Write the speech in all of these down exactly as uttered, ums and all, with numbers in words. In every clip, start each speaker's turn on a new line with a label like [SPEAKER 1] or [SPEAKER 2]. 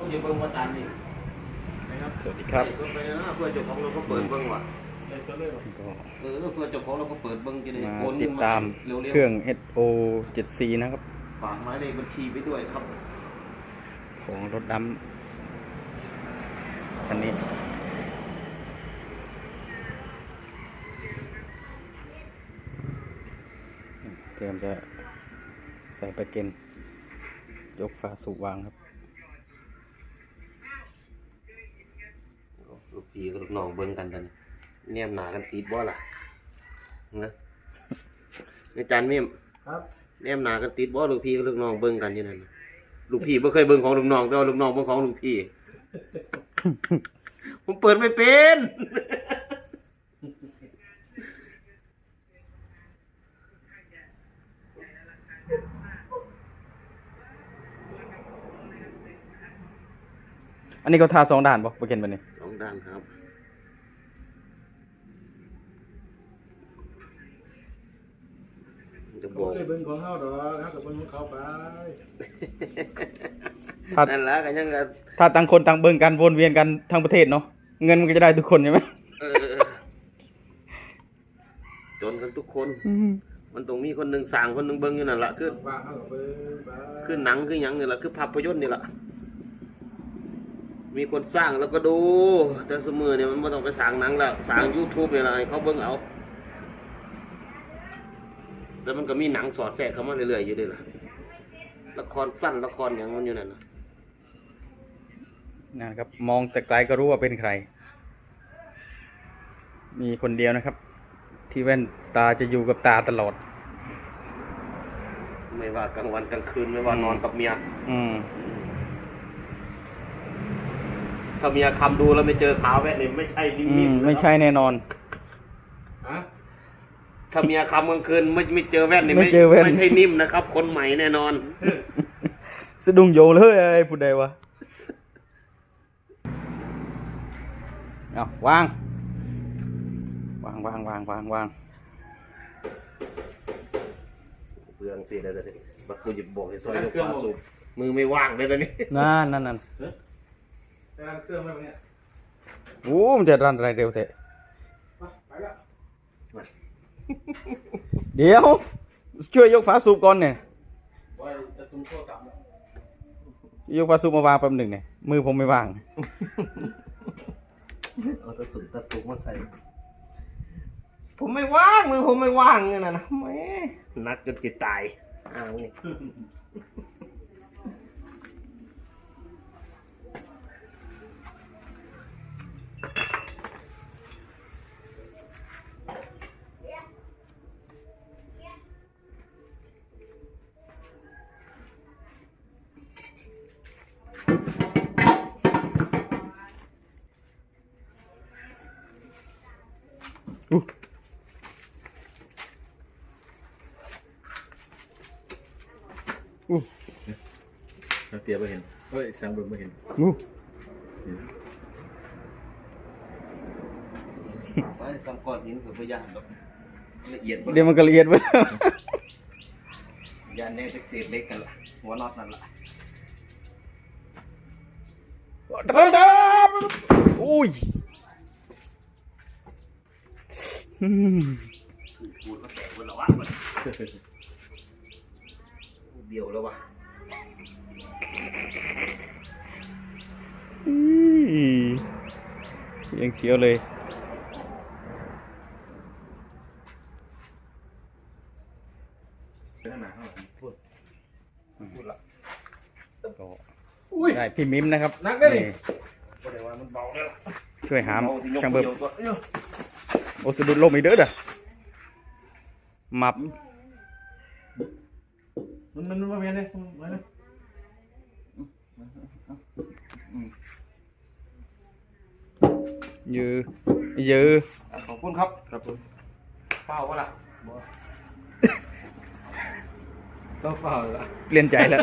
[SPEAKER 1] จะเบิ้งว่าตันนี่นะครับ
[SPEAKER 2] สวัสดีครับ
[SPEAKER 1] ไปนะเพื่อเจ้าของเราก็เปิดเบิ้งว่ะเออเพื่อเจ้าของเราก็เปิดเบิ้งจะได้โอนเงินมา
[SPEAKER 2] ติดตามเครื่อง เอช โอ เจ็ด ซี นะครับ
[SPEAKER 1] ฝากหมายเลขบัญชีไปด้วยครับ
[SPEAKER 2] ของรถดำคันนี้เตรียมจะใส่ไปเกณฑ์ยกฝาสูบวางครับ
[SPEAKER 1] ลูกพี่กับลูกน้องเบิ้งกันตอนนี้แนมหนากันติดบ่ล่ะนะอาจารย์มิ่มครับแนมหนากันติดบ่ลูกพี่กับลูกน้องเบิ้งกันอยู่นั่นลูกพี่ไม่เคยเบิ้งของลูกน้องแต่ว่าลูกน้องเบิ้งของลูกพี่ ผมเปิดไม่เป็น
[SPEAKER 2] อันนี้ก็ทาสองด่านป่ะโปรเกนแบบนี้
[SPEAKER 1] สองด่านครับจะบอก
[SPEAKER 3] เคยเบิ่งของเขาดอกเขากับเบิ่งของเขาไป
[SPEAKER 1] นั่นแหละกันยังไง
[SPEAKER 2] ถ้าต่างคนต่างเบิ่งกันวนเวียนกันทั้งประเทศเนาะเงินมันก็จะได้ทุกคนใช่ไหม
[SPEAKER 1] จนกันทุกคนมันต้องมีคนหนึ่งสั่งคนหนึ่งเบิ่งอยู่นั่นแหละคือคือหนังคือหยังนี่แหละคือภาพยนตร์นี่แหละมีคนสร้างแล้วก็ดูแต่สมือเนี่ยมันไม่ต้องไปสั่งหนังแล้วสั่ง ยูทูบ เนี่ยอะไรเขาเบิ่งเอาแต่มันก็มีหนังสอดแทรกเข้ามาเรื่อยๆอยู่ด้วยล่ะละครสั้นละครอย่างมันอยู่นั่นนะ
[SPEAKER 2] นะครับมองแต่ไกลก็รู้ว่าเป็นใครมีคนเดียวนะครับที่แว่นตาจะอยู่กับตาตลอด
[SPEAKER 1] ไม่ว่ากลางวันกลางคืนไม่ว่านอนกับเมีย
[SPEAKER 2] อืม
[SPEAKER 1] ถ้าเมียคำดูแล้วไม่เจอขาวแว่นนี่ไม่ใช่นิ่ม
[SPEAKER 2] ๆไม่ใช่แน่นอน
[SPEAKER 1] ถ้าเมียคำกลางคืนไม่ไม่เจอแว่นนี่ไม่ไม่ใช่นิ่มนะครับคนใหม่แน่นอน
[SPEAKER 2] สะดุ้งโยงเลยไอ้ผู้ใดวะเอาวางวางวางวางวางวาง
[SPEAKER 1] เปลืองสิเดี๋ยวเดี๋ยวบัดกูจะบอกให้ซอยยกฟ้าสูบมือไม่ว่างเลยตอนนี้
[SPEAKER 2] นั่นนั่นนั่น
[SPEAKER 3] เครื่องไม่เนี่ย
[SPEAKER 2] โอ้มันจะรันอะไรเร็วเถอะ
[SPEAKER 3] ไปละ
[SPEAKER 2] เดี๋ยวช่วยยกฝาสูบก่อนเนี่ยยกฝาสูบมาวางแป๊บหนึ่งเนี่ยมือผมไม่ว่าง
[SPEAKER 1] เอาตะสุดตะตุกมาใส่ผมไม่ว่างมือผมไม่ว่างเนี่ยนะแม่นักจนติดตายอ้าวนี่
[SPEAKER 2] อู้อู้
[SPEAKER 3] เตียบไม่เห็นเฮ้ยสังเบิ่งไม่เห็น
[SPEAKER 2] อู้
[SPEAKER 1] ไปสังก้อนหินเผื่อพยานละเอียด
[SPEAKER 2] เดี๋ยวมันก็ละเอียดไป
[SPEAKER 1] ยานแน่เศษเล็กกันละหัวน็อตนั่นละ
[SPEAKER 2] ตะตะอุ้ย
[SPEAKER 1] ปูนก็แตกบนละวะเบี้ยวแล้ววะ
[SPEAKER 2] ยังเสียวเลยได้พี่มิมนะครับ
[SPEAKER 3] นักได้ดิ
[SPEAKER 2] ช่วยหามช่างเบิบโอสะดุดลมอีกเด้อเด้อมับ
[SPEAKER 3] มันมันมาเวียนเลยมาเลย
[SPEAKER 2] ยือยือ
[SPEAKER 1] ขอบคุณครับ
[SPEAKER 3] ครับผม
[SPEAKER 1] เฝ้าวะล่ะ
[SPEAKER 3] เศร้าเฝ้าละ
[SPEAKER 2] เปลี่ยนใจแล้ว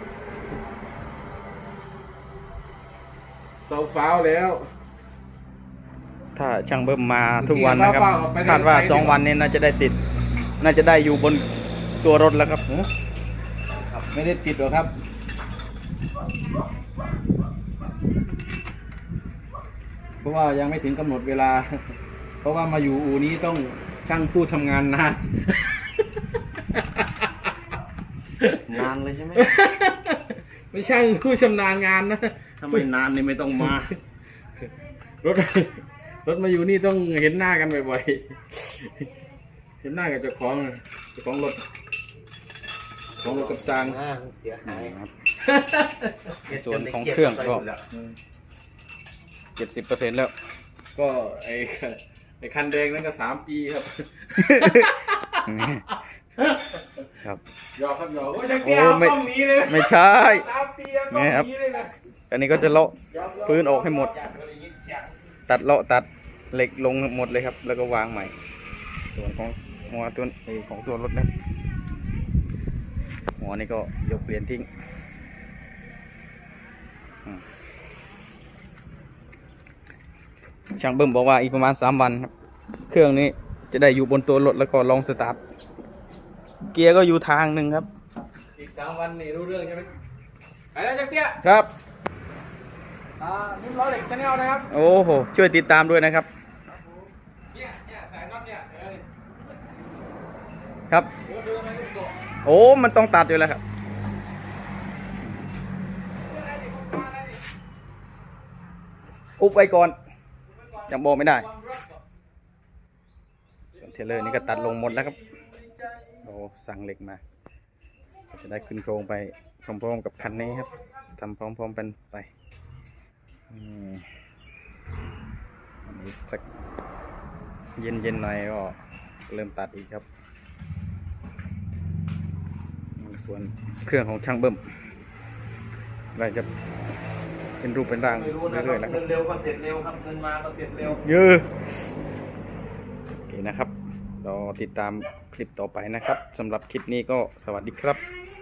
[SPEAKER 3] เศร้าเฝ้าแล้ว
[SPEAKER 2] ถ้าช่างเบิ้มมาทุกวันนะครับคาดว่าสองวันนี้น่าจะได้ติดน่าจะได้อยู่บนตัวรถแล้วครับ
[SPEAKER 3] ไม่ได้ติดหรอกครับราะว่ายังไม่ถึงกำหนดเวลา เพราะว่ามาอยู่อู่นี้ต้องช่างผู้ทำงานนาน
[SPEAKER 1] นานเลยใช่ไหม
[SPEAKER 3] ไม่ช่างผู้ชำนาญงานนะ
[SPEAKER 1] ถ้าไม่นานนี่ไม่ต้องมา
[SPEAKER 3] รถ รถมาอยู่นี่ต้องเห็นหน้ากันบ่อยๆ เห็นหน้ากับเจ้าของเจ้าของรถของรถกับซาง
[SPEAKER 1] เสียหาย
[SPEAKER 2] ครับในส่วนของเครื่องก็เจ็ดสิบเปอร์เซ็นต์แล้ว
[SPEAKER 3] ก็ไอ้ไอ้คันแดงนั่นก็สามปีครับ
[SPEAKER 2] ครับ
[SPEAKER 3] หยอกครับหยอกโอ้ยจะแก้วต้องหนี้เลย
[SPEAKER 2] ไม่ใช่
[SPEAKER 3] สามปีแล้วต้องหนี้เลยนะ
[SPEAKER 2] อันนี้ก็จะเลาะพื้นออกให้หมด ตัดเลาะตัดเหล็กลงหมดเลยครับ แล้วก็วางใหม่ ส่วนของหัวตัวไอ้ของตัวรถนะครับหัวนี่ก็ยกเปลี่ยนทิ้งอืมช่างเบิ้มบอกว่าอีกประมาณสามวันครับเครื่องนี้จะได้อยู่บนตัวรถแล้วก็ลองสตาร์ทเกียร์ก็อยู่ทางหนึ่งครับ
[SPEAKER 3] อีกสามวันนี่รู้เรื่องใช่ไหมไปแล้วจักเตี้ย
[SPEAKER 2] ครับ
[SPEAKER 3] อ่านิ้มล้อเหล็กชาแนลนะครับ
[SPEAKER 2] โอ้โหช่วยติดตามด้วยนะครับ
[SPEAKER 3] เนี่ยเนี่ยสายน็อตเนี่ยเออ
[SPEAKER 2] ครับ
[SPEAKER 3] เดี๋ยวดูมันก็โดด
[SPEAKER 2] โอ้มันต้องตัดอยู่แล้วครับอุบไว้ก่อนยังบอกไม่ได้ส่วนเทเลอร์นี่ก็ตัดลงหมดแล้วครับโอ้สั่งเหล็กมาก็จะได้ขึ้นโครงไปพร้อมๆกับคันนี้ครับทำพร้อมๆกันไปนี่อันนี้สักเย็นๆหน่อยก็เริ่มตัดอีกครับส่วนเครื่องของช่างเบิ้มก็จะเป็นรูปเป็นร่าง
[SPEAKER 1] ไม่รู้นะ
[SPEAKER 2] เรื่อยๆแล้วค
[SPEAKER 1] เงิ
[SPEAKER 2] รับ
[SPEAKER 1] นเร็วก็เสร็จเร็วครับเงินมาก็เสร็จเร็ว
[SPEAKER 2] เยอะโอเคนะครับเราติดตามคลิปต่อไปนะครับสำหรับคลิปนี้ก็สวัสดีครับ